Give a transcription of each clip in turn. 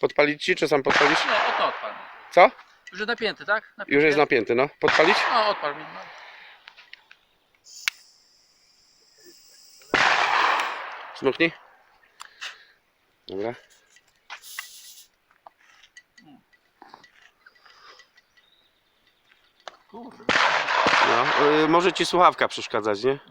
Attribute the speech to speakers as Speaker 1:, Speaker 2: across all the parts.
Speaker 1: Podpalić ci, czy sam podpalisz?
Speaker 2: Nie, o to odpal.
Speaker 1: Co?
Speaker 2: Już jest napięty, tak? Napięty.
Speaker 1: Już jest napięty, no. Podpalić?
Speaker 2: No, odpal mi. No.
Speaker 1: Smuknij. Dobra.
Speaker 2: Kurde.
Speaker 1: No, może ci słuchawka przeszkadzać, nie?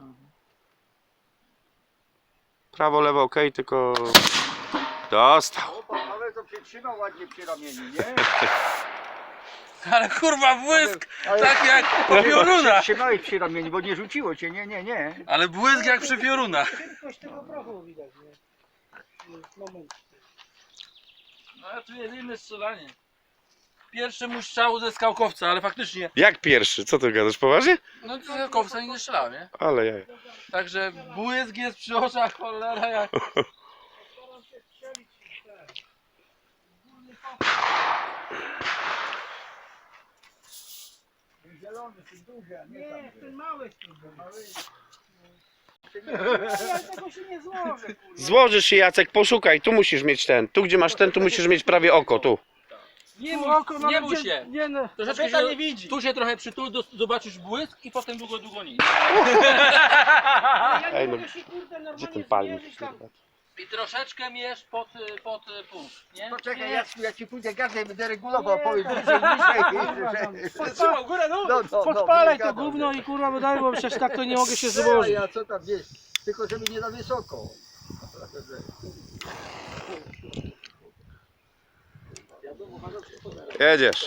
Speaker 1: Prawo, lewo, ok, tylko... Dostał.
Speaker 3: Ale to przytrzymał ładnie przy ramieniu, nie?
Speaker 2: Ale kurwa błysk!
Speaker 3: Ale-
Speaker 2: Tak jak po piorunach!
Speaker 3: Trzymałeś przy ramieniu, bo nie rzuciło cię, nie.
Speaker 2: Ale błysk jak przy piorunach.
Speaker 4: Szybkość tego prochu widać, nie? Moment.
Speaker 2: No a tu jest inne strzelanie. Pierwszy mój strzał ze skałkowca, ale faktycznie.
Speaker 1: Jak pierwszy? Co ty gadasz, poważnie?
Speaker 2: No ze skałkowca nie strzelałem, nie?
Speaker 1: Ale jaj.
Speaker 2: Także błysk jest przy oczach, cholera jak.
Speaker 4: Staram się strzelić w te.
Speaker 3: Zielony, ty duży, a
Speaker 4: Nie, ten mały ale tego się nie złożę, kurwa.
Speaker 1: Złożysz się, Jacek, poszukaj. Tu musisz mieć ten. Tu, gdzie masz ten, tu musisz mieć prawie oko, tu.
Speaker 2: Nie
Speaker 4: Tu
Speaker 2: bój,
Speaker 4: oko
Speaker 2: nie
Speaker 4: nawet
Speaker 2: bój
Speaker 4: gdzie-
Speaker 2: się.
Speaker 4: Nie no,
Speaker 2: Troszeczkę
Speaker 4: kobieta
Speaker 2: się,
Speaker 4: nie widzi.
Speaker 2: tu się trochę przytul, zobaczysz błysk i potem długo nie.
Speaker 4: Ja
Speaker 1: Ej,
Speaker 4: nie
Speaker 1: no,
Speaker 4: mogę się kurde
Speaker 1: Gdzie
Speaker 4: normalnie
Speaker 1: ten palnik?
Speaker 4: zmierzyć tam.
Speaker 2: I troszeczkę mierz pod punkt, nie?
Speaker 3: Poczekaj,
Speaker 4: Nie.
Speaker 3: Jacku, ja ci pójdę gardę będę regulował,
Speaker 4: Nie,
Speaker 3: powiem
Speaker 4: tam,
Speaker 3: bliżej,
Speaker 4: kurwa, tam.
Speaker 3: bliżej.
Speaker 4: Górę,
Speaker 3: No, no, no,
Speaker 4: podpalaj
Speaker 3: nie
Speaker 4: to
Speaker 3: gadam,
Speaker 4: gówno
Speaker 3: nie.
Speaker 4: i kurwa wydaj, bo przecież tak to nie mogę się
Speaker 3: A
Speaker 4: złożyć.
Speaker 3: ja co tam wiesz, tylko żeby nie za wysoko.
Speaker 1: Jedziesz.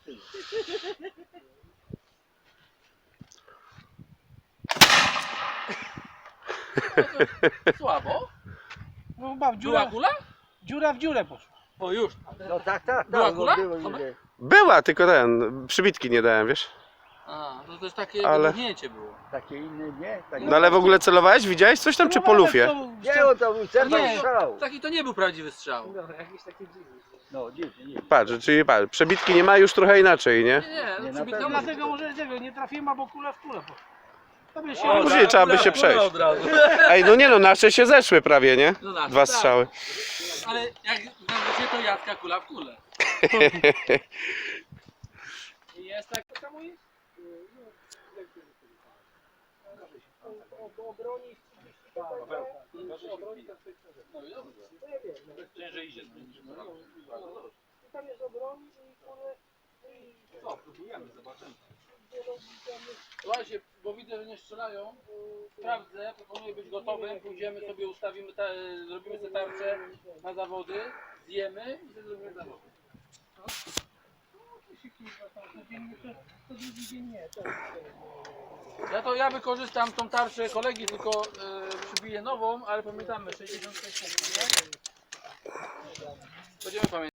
Speaker 2: Słabo?
Speaker 4: No chyba w
Speaker 2: Była
Speaker 4: dziurę,
Speaker 2: kula?
Speaker 4: dziura w dziurę poszła.
Speaker 2: O już.
Speaker 3: No tak,
Speaker 2: Była
Speaker 3: no,
Speaker 2: kula?
Speaker 3: było,
Speaker 2: Tomek?
Speaker 3: nie.
Speaker 1: Była, tylko ten, przybitki nie dałem, wiesz?
Speaker 2: A, to też takie
Speaker 1: Ale-
Speaker 2: wybuchnięcie było.
Speaker 3: Takie inne, nie? Takie...
Speaker 1: No ale w ogóle celowałeś? Widziałeś coś tam, czy po lufie?
Speaker 3: Nie, on to był cerwał
Speaker 4: Nie.
Speaker 3: strzał.
Speaker 2: Taki to nie był prawdziwy strzał.
Speaker 3: No, dziwnie.
Speaker 1: Patrz, czyli patrz, przebitki nie ma już trochę inaczej, nie?
Speaker 2: Nie,
Speaker 3: Nie,
Speaker 2: no
Speaker 3: na
Speaker 2: przybitka
Speaker 3: pewno.
Speaker 2: może...
Speaker 4: Dlatego może tego nie trafiłem, albo kula w kulę poszła. To by się
Speaker 2: O,
Speaker 1: Później trzeba by się przejść.
Speaker 2: Od razu.
Speaker 1: Ej, no nie no, nasze się zeszły prawie, nie?
Speaker 2: No nasze,
Speaker 1: Dwa
Speaker 2: tak.
Speaker 1: strzały.
Speaker 2: Ale jak wiecie, to Jacka kula w kulę.
Speaker 4: jest tak samo jest? Obroni
Speaker 2: Ciężej idzie.
Speaker 4: tam jest obroni i kurde.
Speaker 2: Co, próbujemy, zobaczymy. Słuchajcie, bo widzę, że nie strzelają. Sprawdzę, proponuję być gotowym. Pójdziemy sobie, ustawimy, zrobimy sobie tarczę na zawody, zjemy i sobie zrobimy zawody.
Speaker 4: To drugi dzień nie.
Speaker 2: Ja wykorzystam tą tarczę kolegi, tylko przybiję nową, ale pamiętamy 66 punktów, nie? Będziemy pamiętać.